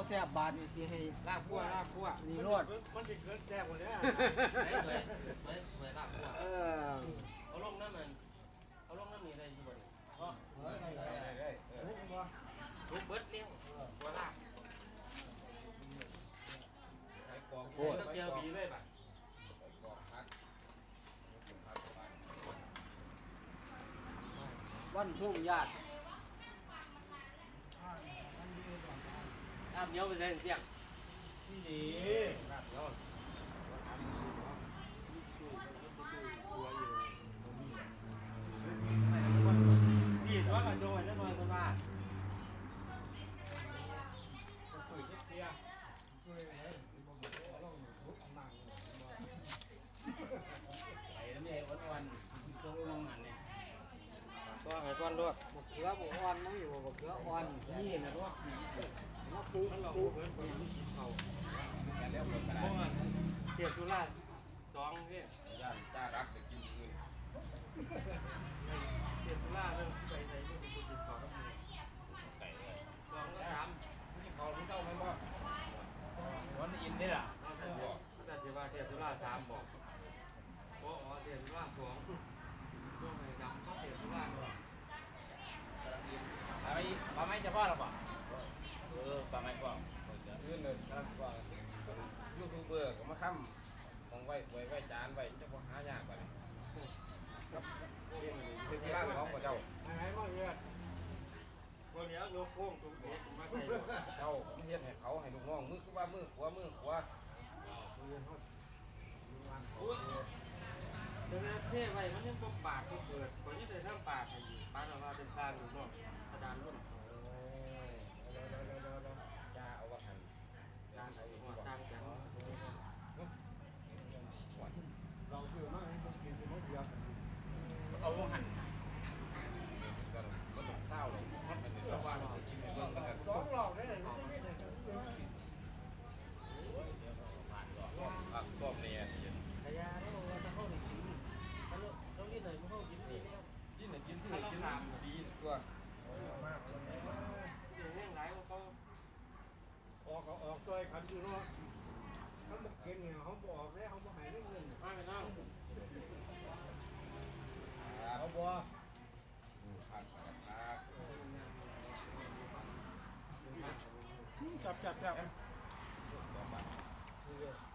แซ่บบาทนี่สิให้ลาบคั่วนี่รสมันจะเกิดแซ่บกว่านี้ลาบคั่วเอาลงน้ำมันเอาลงน้ำนี่ได้ยี่บ่เนี่ยทุกเบิดเลี้ยงตัวลาบโอ้เกี่ยวบีเลยป่ะวันทุ่งญาติน้ำเหนียวไปใส่เสียงที่นี่พี่ตัวมันโดนแล้วมันตัวมาไอ้นี่วันช่วงลงหันเนี่ยตัวไอ้ตัวด้วยบักเขือบักอ่อนนั่งอยู่บักเขืออ่อนนี่นะด้วยมาปูเพิ่นกินเขาเจ็บตุลาสองพี่ย่านจ้ารักจะกินเงินเจ็บตุลาเรื่องไปไหนเรื่องกินเขาทั้งหมดไก่เลยสองก็สามนี่เขาที่เจ้าไม่บอกวันอินได้ล่ะแต่เจ็บว่าเจ็บตุลาสามบอกโอ้เจ็บตุลาสองตัวไหนดำก็เจ็บตุลาหนึ่งปลาไม้จะพ่อหรือเปล่าปลาไม้กว่ายื่นเลยครับว่ายูทูบเบอร์ก็มาค้ำมองไว้จานไว้จะพอหายากกว่านี้ครับเป็นที่ร้านของเจ้าไหนบ้างเนี่ยวันนี้โยกโค้งตรงนี้มาใส่เจ้าเทียนให้เขาให้ลูกน้องมือคือว่ามือขวาเดี๋ยวเท่ไว้มันยังต้องปากเปิดคนนี้เลยทั้งปากให้อยู่ปากออกมาเป็นซาลูกน้องกระดานรุ่นจ้าเอาว่าหันการใส่หัวตั้งจังเราคือมากกินเป็นมะเขือเอาว่าหันก็ต้องเศร้าเลยมันเป็นเรื่องว่าเรากินในเรื่องกันสองหลอกได้เลยส้มเนี่ยขยาแล้วเราจะเข้าในกินต้องกินเลยไม่เข้ากินนี่กินไหนกินสิกินดีตัวแห้งไหลเขาออกตัวขันอยู่เนาะเขาบอกเก่งเนี่ยเขาบอกแล้วเขาบอกหายเรื่องเงินมาไปนั่งเขาบอกจับ